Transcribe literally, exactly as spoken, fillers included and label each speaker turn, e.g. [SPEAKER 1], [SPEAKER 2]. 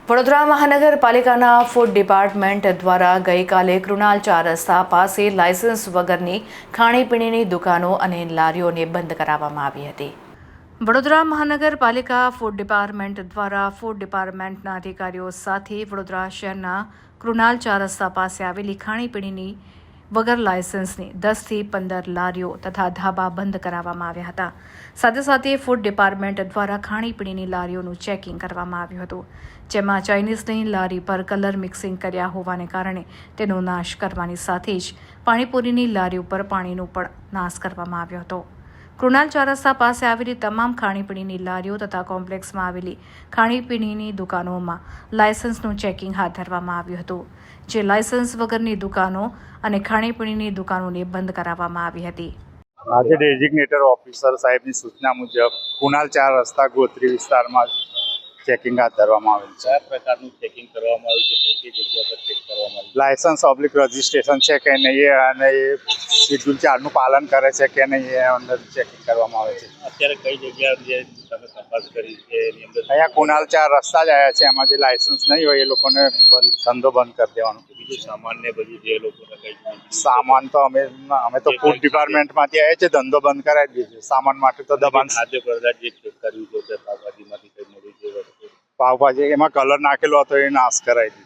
[SPEAKER 1] વડોદરા મહાનગરપાલિકાના food department દ્વારા ગઈકાલે કૃણાલ ચાર રસ્તા પાસે લાયસન્સ વગરની ખાણીપીણીની દુકાનો અને લારીઓને બંધ કરાવવામાં આવી હતી. વડોદરા મહાનગરપાલિકા ફૂડ ડિપાર્ટમેન્ટ દ્વારા ફૂડ ડિપાર્ટમેન્ટના અધિકારીઓ સાથે વડોદરા શહેરના કૃણાલ ચાર રસ્તા પાસે આવેલી ખાણીપીણીની વગર લાયસન્સની દસથી પંદર લારીઓ તથા ધાબા બંધ કરાવવામાં આવ્યા હતા. સાથે સાથે ફૂડ ડિપાર્ટમેન્ટ દ્વારા ખાણીપીણીની લારીઓનું ચેકિંગ કરવામાં આવ્યું હતું, જેમાં ચાઇનીઝની લારી પર કલર મિક્સિંગ કર્યા હોવાને કારણે તેનો નાશ કરવાની સાથે જ પાણીપુરીની લારી ઉપર પાણીનો પણ નાશ કરવામાં આવ્યો હતો. કૃણાલ ચાર રસ્તા પાસે આવેલી તમામ ખાણીપીણીની લારીઓ તથા કોમ્પ્લેક્સમાં આવેલી ખાણીપીણીની દુકાનોમાં લાયસન્સનું ચેકિંગ હાથ ધરવામાં આવ્યું હતું, જે લાયસન્સ વગરની દુકાનો અને ખાણીપીણીની દુકાનોને બંધ કરાવવામાં આવી હતી.
[SPEAKER 2] આજે ડેઝિગ્નેટર ઓફિસર સાહેબની સૂચના મુજબ કૃણાલ ચાર રસ્તા ગોત્રી વિસ્તારમાં ચેકિંગ હાથ ધરવામાં આવેલ છે.
[SPEAKER 3] કયા પ્રકારનું ચેકિંગ કરવામાં આવ્યું છે? કઈ કઈ જગ્યા પર ચેક કરવામાં આવ્યું?
[SPEAKER 2] લાયસન્સ ઓબ્લિક રજિસ્ટ્રેશન છે કે નહીં અને એ શેડ્યુલ ચારનું પાલન કરે છે કે નહીં એ અંદર ચેકિંગ કરવામાં આવે છે.
[SPEAKER 3] અત્યારે કઈ જગ્યા જે તમે તપાસ કરી છે એની અંદર
[SPEAKER 2] અહીંયા કૃણાલ ચાર રસ્તા જ આવ્યા છે, એમાં જે લાયસન્સ નહીં હોય એ લોકોને બંધ ધંધો બંધ કરી દેવાનો.
[SPEAKER 3] બીજું સામાન ને બધું જે લોકોને કઈ
[SPEAKER 2] સામાન તો અમે અમે તો ફૂડ ડિપાર્ટમેન્ટમાંથી આવ્યા છે, ધંધો બંધ કરાવી દીધો. સામાન માટે તો દબાણ.
[SPEAKER 3] ખાદ્ય પદાર્થ જે ચેક કર્યું છે તે પાવભાજીમાંથી કઈ મળી છે વસ્તુ
[SPEAKER 2] પાવભાજી એમાં કલર નાખેલો હતો એ નાશ કરાવી દીધો.